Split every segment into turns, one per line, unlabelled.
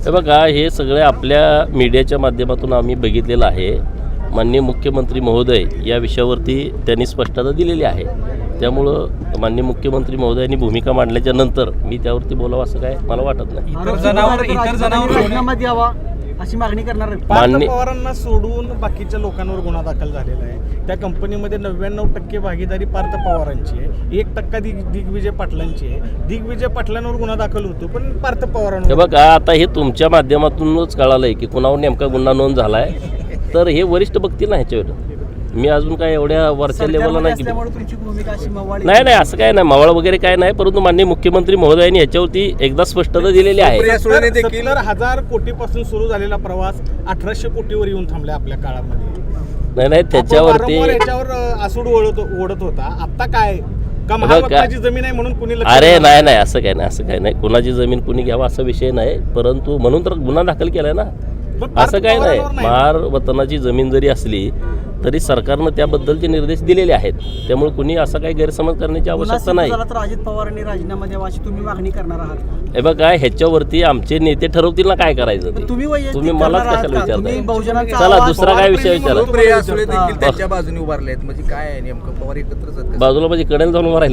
हे बघा, हे सगळे आपल्या मीडियाच्या माध्यमातून आम्ही बघितलेलं आहे. माननीय मुख्यमंत्री महोदय या विषयावरती त्यांनी स्पष्टता दिलेली आहे. त्यामुळं माननीय मुख्यमंत्री महोदयांनी भूमिका मांडल्याच्या नंतर मी त्यावरती बोलावं असं काय मला वाटत नाही.
इतर जनावर राजीनामा द्यावा अशी मागणी करणार आहे.
पार्थ पवारांना सोडून बाकीच्या लोकांवर गुन्हा दाखल झालेला आहे. त्या कंपनीमध्ये 99% भागीदारी पार्थ पवारांची आहे, 1% दिग्विजय पाटलांची आहे. दिग्विजय पाटलांवर गुन्हा दाखल होतो पण पार्थ पवारांवर.
हे बघा, आता हे तुमच्या माध्यमातूनच कळालंय की कुणावर नेमका गुन्हा नोंद झालाय. तर हे वरिष्ठ बघतील ना ह्याच्यावर. मी अजून काय एवढ्या वरच्या लेवलला नाही. नाही असं काय नाही, मवाळ वगैरे काय नाही. परंतु माननीय मुख्यमंत्री महोदयांनी याच्यावरती एकदा स्पष्टता दिलेली आहे.
70,000 कोटीपासून सुरू झालेला प्रवास 1800 कोटीवर येऊन थांबलाय आपल्या काळामध्ये.
नाही त्याच्यावरती
याच्यावर आसूड ओढत होता. आता काय का महाराष्ट्राची जमीन आहे म्हणून कुणी?
अरे नाही असं काय नाही. कुणाची जमीन कुणी घ्यावा असा विषय नाही. परंतु म्हणून तर गुन्हा दाखल केलाय ना. असं काय नाही. महार वतनाची जमीन जरी असली तरी सरकारनं त्याबद्दलचे निर्देश दिलेले आहेत. त्यामुळे कुणी असा काही गैरसमज करण्याची आवश्यकता नाही.
तर अजित पवारांनी राजीनामा द्यावा अशी तुम्ही मागणी करणार आहात?
हे बघा, ह्याच्यावरती आमचे नेते ठरवतील ना काय करायचं ते. तुम्ही मलाच कशाला विचारताय? चला दुसरा काय विषय विचारा.
त्यांच्या बाजूने उभारले आहेत म्हणजे काय नेमकं पवार एकत्रच
बाजूला म्हणजे कडेला जाऊन उभं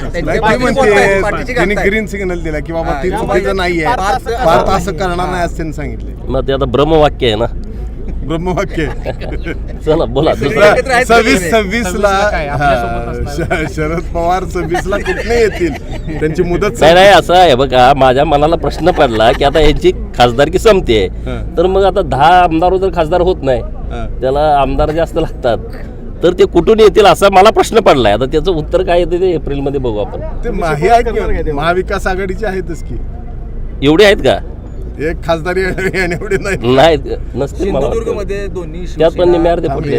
राहिले.
ग्रीन सिग्नल दिला की बाबा ती चुकीचं नाहीये, भारत असं करणार नाही असं त्यांनी सांगितले.
मग ते आता ब्रह्मवाक्य आहे ना.
ब्रह्मवाक्य.
चला बोला.
26 ला शरद पवार 26 ला कुठे येतील, त्यांची मुदत
नाही असं आहे. बघा, माझ्या मनाला प्रश्न पडला की आता यांची खासदारकी संपते, तर मग आता 10 आमदार जर खासदार होत नाही, त्याला आमदार जास्त लागतात, तर ते कुठून येतील असा मला प्रश्न पडलाय. आता त्याचं उत्तर काय येते ते एप्रिलमध्ये बघू आपण.
ते महाविकास आघाडीचे आहेतच की.
एवढे आहेत का?
एक खासदारी एवढे
नाही नसते.
सिंधुदुर्गमध्ये दोन्ही
त्यात पण निम्यार्धे फुटले.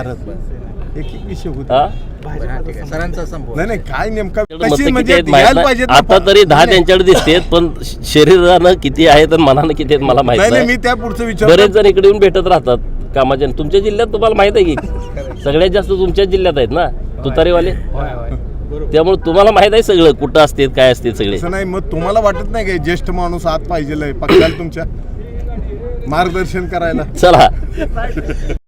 एक विषय होता
सरांचा संभव
नाही काय नेमका
आता तरी 10 त्यांच्याकडे दिसतेत, पण शरीरानं किती आहेत आणि मनानं किती आहेत मला माहित नाही.
मी त्या पुढचं विचार.
बरेच जण इकडे येऊन भेटत राहतात कामाच्या. तुमच्या जिल्ह्यात तुम्हाला माहित आहे की सगळ्यात जास्त तुमच्याच जिल्ह्यात आहेत ना तुतारीवाले. त्यामुळे तुम्हाला माहित आहे सगळं कुठं असते काय असते सगळे.
नाही मग तुम्हाला वाटत नाही काय ज्येष्ठ माणूस आत पाहिजे पक्षाला तुमच्या मार्गदर्शन करायला?
चला.